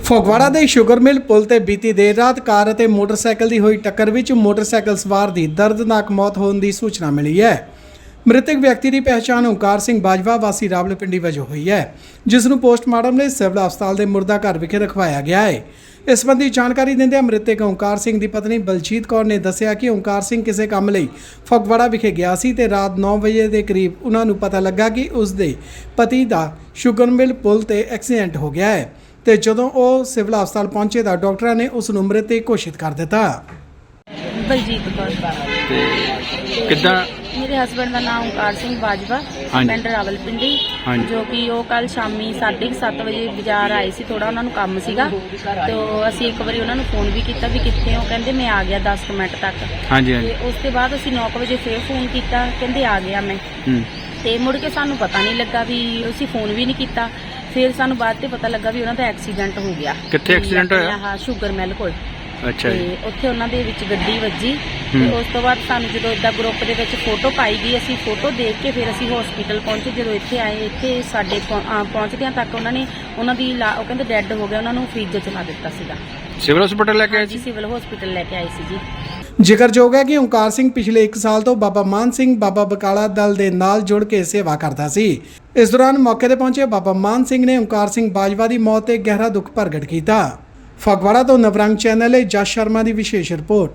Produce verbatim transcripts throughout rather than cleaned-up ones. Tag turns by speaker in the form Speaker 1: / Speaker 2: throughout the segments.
Speaker 1: ਫਗਵਾੜਾ ਦੇ sugar mill ਪੁਲ ਤੇ ਬੀਤੀ ਦੇਰ ਰਾਤ ਕਾਰ ਅਤੇ ਮੋਟਰਸਾਈਕਲ ਦੀ ਹੋਈ ਟੱਕਰ ਵਿੱਚ ਮੋਟਰਸਾਈਕਲ ਸਵਾਰ ਦੀ ਦਰਦਨਾਕ ਮੌਤ ਹੋਣ ਦੀ ਸੂਚਨਾ ਮਿਲੀ ਹੈ। ਮ੍ਰਿਤਕ ਵਿਅਕਤੀ ਦੀ ਪਹਿਚਾਣ ਓਂਕਾਰ ਸਿੰਘ ਬਾਜਵਾ ਵਾਸੀ ਰਾਵਲਪਿੰਡੀ ਵਜੋਂ ਹੋਈ ਹੈ, ਜਿਸ ਨੂੰ ਪੋਸਟਮਾਰਟਮ ਲਈ ਸਿਵਲ ਹਸਪਤਾਲ ਦੇ ਮੁਰਦਾ ਘਰ ਵਿਖੇ ਰਖਵਾਇਆ ਗਿਆ ਹੈ। ਇਸ ਸੰਬੰਧੀ ਜਾਣਕਾਰੀ ਦਿੰਦਿਆਂ ਮ੍ਰਿਤਕ ਓਂਕਾਰ ਸਿੰਘ ਦੀ ਪਤਨੀ ਬਲਜੀਤ ਕੌਰ ਨੇ ਦੱਸਿਆ ਕਿ ਓਂਕਾਰ ਸਿੰਘ ਕਿਸੇ ਕੰਮ ਲਈ ਫਗਵਾੜਾ ਵਿਖੇ ਗਿਆ ਸੀ ਤੇ ਰਾਤ ਨੌ ਵਜੇ ਦੇ ਕਰੀਬ ਉਹਨਾਂ ਨੂੰ ਪਤਾ ਲੱਗਾ ਕਿ ਉਸ ਦੇ ਪਤੀ ਦਾ ਸ਼ੂਗਰ ਮਿਲ ਪੁਲ ਤੇ ਐਕਸੀਡੈਂਟ ਹੋ ਗਿਆ ਹੈ ਤੇ ਜਦੋਂ ਉਹ ਸਿਵਲ ਹਸਪਤਾਲ ਪਹੁੰਚੇ ਤਾਂ ਡਾਕਟਰਾਂ ਨੇ ਉਸ ਨੂੰ ਮ੍ਰਿਤ ਘੋਸ਼ਿਤ ਕਰ ਦਿੱਤਾ।
Speaker 2: ਬਲਜੀਤ ਕੌਰ
Speaker 3: ਤੇ ਕਿੱਦਾਂ
Speaker 2: ਮੇਰੇ ਹਸਬੰਡ ਦਾ ਨਾਮ ਓਂਕਾਰ ਸਿੰਘ ਬਾਜਵਾ, ਪਿੰਡ ਰਾਵਲਪਿੰਡੀ, ਜੋ ਕਿ ਉਹ ਕੱਲ ਸ਼ਾਮੀ ਸਾਢੇ ਕੁ ਸੱਤ ਵਜੇ ਬਾਜ਼ਾਰ ਆਏ ਸੀ। ਥੋੜਾ ਉਹਨਾਂ ਨੂੰ ਕੰਮ ਸੀਗਾ ਤੇ ਅਸੀਂ ਇੱਕ ਵਾਰੀ ਉਹਨਾਂ ਨੂੰ ਫੋਨ ਵੀ ਕੀਤਾ ਵੀ ਕਿੱਥੇ ਹੋ, ਕਹਿੰਦੇ ਮੈਂ ਆ ਗਿਆ ਦਸ ਮਿੰਟ ਤੱਕ।
Speaker 3: ਹਾਂਜੀ ਹਾਂਜੀ
Speaker 2: ਤੇ ਉਸ ਤੋਂ ਬਾਅਦ ਅਸੀਂ ਨੌ ਵਜੇ ਫੇਰ ਫੋਨ ਕੀਤਾ, ਕਹਿੰਦੇ ਆ ਗਿਆ ਮੈਂ। ਤੇ ਮੁੜ ਕੇ ਸਾਨੂੰ ਪਤਾ ਨਹੀਂ ਲੱਗਾ ਵੀ ਅਸੀਂ ਫੋਨ ਵੀ ਨਹੀਂ ਕੀਤਾ। ਫਿਰ ਸਾਨੂੰ ਬਾਅਦ ਤੇ ਪਤਾ ਲੱਗਾ ਵੀ ਉਹਨਾਂ ਦਾ ਐਕਸੀਡੈਂਟ ਹੋ ਗਿਆ।
Speaker 3: ਕਿੱਥੇ ਐਕਸੀਡੈਂਟ ਹੋਇਆ?
Speaker 2: ਹਾਂ, ਸ਼ੂਗਰ ਮਿਲ ਕੋਲ।
Speaker 3: ਅੱਛਾ ਜੀ।
Speaker 2: ਤੇ ਉੱਥੇ ਉਹਨਾਂ ਦੇ ਵਿੱਚ ਗੱਡੀ ਵੱਜੀ ਤੇ ਉਸ ਤੋਂ ਬਾਅਦ ਸਾਨੂੰ ਜਦੋਂ ਇਦਾਂ ਗਰੁੱਪ ਦੇ ਵਿੱਚ ਫੋਟੋ ਪਾਈ ਗਈ, ਅਸੀਂ ਫੋਟੋ ਦੇਖ ਕੇ ਫਿਰ ਅਸੀਂ ਹਸਪੀਟਲ ਪਹੁੰਚੇ। ਜਦੋਂ ਇੱਥੇ ਆਏ, ਇੱਥੇ ਸਾਡੇ ਪਹੁੰਚਦਿਆਂ ਤੱਕ ਉਹਨਾਂ ਨੇ ਉਹਨਾਂ ਦੀ ਉਹ ਕਹਿੰਦੇ ਡੈੱਡ ਹੋ ਗਿਆ, ਉਹਨਾਂ ਨੂੰ ਫ੍ਰਿਜ 'ਚ ਲਾ ਦਿੱਤਾ ਸੀਗਾ।
Speaker 3: ਸਿਵਲ ਹਸਪੀਟਲ ਲੈ ਕੇ ਆਏ
Speaker 2: ਜੀ? ਸਿਵਲ ਹਸਪੀਟਲ ਲੈ ਕੇ ਆਏ ਸੀ ਜੀ।
Speaker 1: ਜ਼ਿਕਰਯੋਗ ਹੈ ਕਿ ਓਂਕਾਰ ਸਿੰਘ ਪਿਛਲੇ ਇੱਕ ਸਾਲ ਤੋਂ ਬਾਬਾ ਮਾਨ ਸਿੰਘ ਬਾਬਾ ਬਕਾਲਾ ਦਲ ਦੇ ਨਾਲ ਜੁੜ ਕੇ ਸੇਵਾ ਕਰਦਾ ਸੀ। ਇਸ ਦੌਰਾਨ ਮੌਕੇ ਤੇ ਪਹੁੰਚੇ ਬਾਬਾ ਮਾਨ ਸਿੰਘ ਨੇ ਓਂਕਾਰ ਸਿੰਘ ਬਾਜਵਾ ਦੀ ਮੌਤ ਤੇ ਗਹਿਰਾ ਦੁੱਖ ਪ੍ਰਗਟ ਕੀਤਾ। ਫਗਵਾੜਾ ਤੋਂ ਨਵਰੰਗ ਚੈਨਲ ਲਈ ਜਸ ਸ਼ਰਮਾ ਦੀ ਵਿਸ਼ੇਸ਼ ਰਿਪੋਰਟ।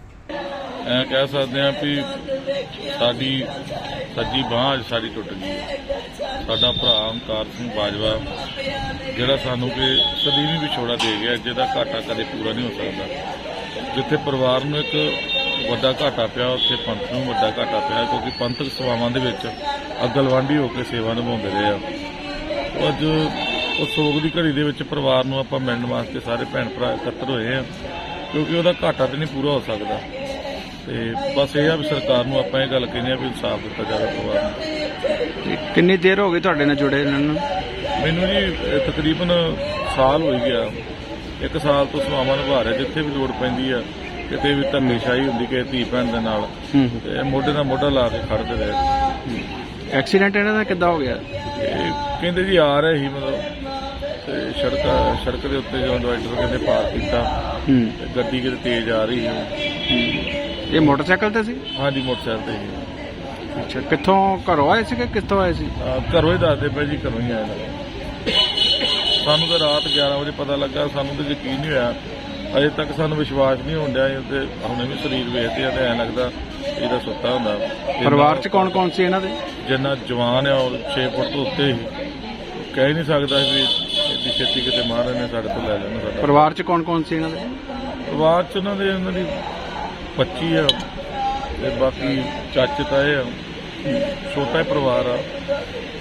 Speaker 4: ਐ ਕਹਿ ਸਕਦੇ ਹਾਂ ਵੀ ਸਾਡੀ ਸੱਜੀ ਬਾਂਹ ਅੱਜ ਸਾਡੀ ਟੁੱਟ ਗਈ। ਸਾਡਾ ਭਰਾ ਓਂਕਾਰ ਸਿੰਘ ਬਾਜਵਾ ਜਿਹੜਾ ਸਾਨੂੰ ਕਿ ਸਦੀਵੀ ਵਿਛੋੜਾ ਦੇ ਗਿਆ, ਜਿਹਦਾ ਘਾਟਾ ਕਦੇ ਪੂਰਾ ਨਹੀਂ ਹੋ ਸਕਦਾ। ਜਿੱਥੇ ਪਰਿਵਾਰ ਨੂੰ ਇੱਕ ਵੱਡਾ ਘਾਟਾ ਪਿਆ, ਉੱਥੇ ਪੰਥ ਨੂੰ ਵੱਡਾ ਘਾਟਾ ਪਿਆ, ਕਿਉਂਕਿ ਪੰਥਕ ਸੇਵਾਵਾਂ ਦੇ ਵਿੱਚ ਅਗਲਵਾਂਢੀ ਹੋ ਕੇ ਸੇਵਾ ਨਿਭਾਉਂਦੇ ਰਹੇ ਆ। ਅੱਜ ਉਸ ਸੋਗ ਦੀ ਘੜੀ ਦੇ ਵਿੱਚ ਪਰਿਵਾਰ ਨੂੰ ਆਪਾਂ ਮਿਲਣ ਵਾਸਤੇ ਸਾਰੇ ਭੈਣ ਭਰਾ ਇਕੱਤਰ ਹੋਏ ਆ, ਕਿਉਂਕਿ ਉਹਦਾ ਘਾਟਾ ਤੇ ਨਹੀਂ ਪੂਰਾ ਹੋ ਸਕਦਾ। ਤੇ ਬਸ ਇਹ ਆ ਵੀ ਸਰਕਾਰ ਨੂੰ ਆਪਾਂ ਇਹ ਗੱਲ ਕਹਿੰਦੇ ਆ ਵੀ ਇਨਸਾਫ ਦਿੱਤਾ ਜਾਵੇ ਪਰਿਵਾਰ ਨੂੰ।
Speaker 3: ਕਿੰਨੀ ਦੇਰ ਹੋ ਗਈ ਤੁਹਾਡੇ ਨਾਲ ਜੁੜੇ ਇਹਨਾਂ ਨੂੰ?
Speaker 4: ਮੈਨੂੰ ਜੀ ਤਕਰੀਬਨ ਸਾਲ ਹੋ ਗਿਆ। ਇੱਕ ਸਾਲ ਤੋਂ ਸੇਵਾਵਾਂ ਨਿਭਾ ਰਿਹਾ। ਜਿੱਥੇ ਵੀ ਲੋੜ ਪੈਂਦੀ ਆ, ਕਿਤੇ ਵੀ ਧੰਨੇਸ਼ਾਹੀ ਹੁੰਦੀ ਕਿ ਧੀ ਭੈਣ ਦੇ ਨਾਲ, ਤੇ ਮੋਢੇ ਨਾਲ ਮੋਢਾ ਲਾ ਕੇ ਖੜਦੇ ਰਹੇ।
Speaker 3: ਐਕਸੀਡੈਂਟ ਇਹਨਾਂ ਦਾ ਕਿੱਦਾਂ ਹੋ ਗਿਆ?
Speaker 4: ਇਹ ਕਹਿੰਦੇ ਜੀ ਆ ਰਹੇ ਸੀ ਮਤਲਬ ਤੇ ਸੜਕ ਸੜਕ ਦੇ ਉੱਤੇ ਜਦੋਂ ਡਿਵਾਈਡਰ ਕਹਿੰਦੇ ਪਾਰ ਕੀਤਾ, ਗੱਡੀ ਕਿਤੇ ਤੇਜ਼ ਆ ਰਹੀ ਸੀ।
Speaker 3: ਇਹ ਮੋਟਰਸਾਈਕਲ ਤੇ ਸੀ? ਹਾਂਜੀ,
Speaker 4: ਮੋਟਰਸਾਈਕਲ ਤੇ ਸੀ।
Speaker 3: ਅੱਛਾ, ਕਿੱਥੋਂ ਘਰੋਂ ਆਏ ਸੀ ਕਿ ਕਿੱਥੋਂ ਆਏ ਸੀ?
Speaker 4: ਘਰੋਂ ਹੀ ਦੱਸਦੇ ਪਏ ਜੀ, ਘਰੋਂ ਹੀ ਆਏ। ਸਾਨੂੰ ਤਾਂ ਰਾਤ ਗਿਆਰਾਂ ਵਜੇ ਪਤਾ ਲੱਗਾ। ਸਾਨੂੰ ਤਾਂ ਯਕੀਨ ਨਹੀਂ ਹੋਇਆ, ਅਜੇ ਤੱਕ ਸਾਨੂੰ ਵਿਸ਼ਵਾਸ ਨਹੀਂ ਹੋਣ ਡਿਆ। ਤੇ ਹੁਣੇ ਵੀ ਸਰੀਰ ਵੇਖਦੇ ਆ ਤੇ ਐਂ ਲੱਗਦਾ ਇਹਦਾ ਸੁੱਤਾ ਹੁੰਦਾ।
Speaker 3: ਪਰਿਵਾਰ 'ਚ ਕੌਣ ਕੌਣ ਸੀ ਇਹਨਾਂ ਦੇ?
Speaker 4: ਜਿੰਨਾ ਜਵਾਨ ਆ ਉਹ ਛੇ ਫੁੱਟ ਤੋਂ ਉੱਤੇ ਹੀ, ਕਹਿ ਨਹੀਂ ਸਕਦਾ ਵੀ ਇੱਡੀ ਛੇਤੀ ਕਿਤੇ ਮਹਾਰਾਜ ਨੇ ਸਾਡੇ ਤੋਂ ਲੈ ਲੈਣਾ ਸਾਡਾ।
Speaker 3: ਪਰਿਵਾਰ 'ਚ ਕੌਣ ਕੌਣ ਸੀ ਇਹਨਾਂ ਦੇ?
Speaker 4: ਪਰਿਵਾਰ 'ਚ ਉਹਨਾਂ ਦੇ ਉਹਨਾਂ ਦੀ ਪੱਚੀ ਆ ਤੇ ਬਾਕੀ ਚਾਚੇ ਤਾਏ ਆ। ਛੋਟਾ ਹੀ ਪਰਿਵਾਰ ਆ।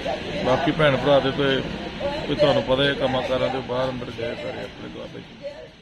Speaker 4: ਬਾਕੀ ਭੈਣ ਭਰਾ ਦੇ ਤੇ ਤੁਹਾਨੂੰ ਪਤਾ ਹੈ ਕੰਮਾਂ ਕਾਰਾਂ ਦੇ ਬਾਹਰ ਅੰਦਰ ਗਏ ਸਾਰੇ ਆਪਣੇ ਦੁਆਬੇ 'ਚ।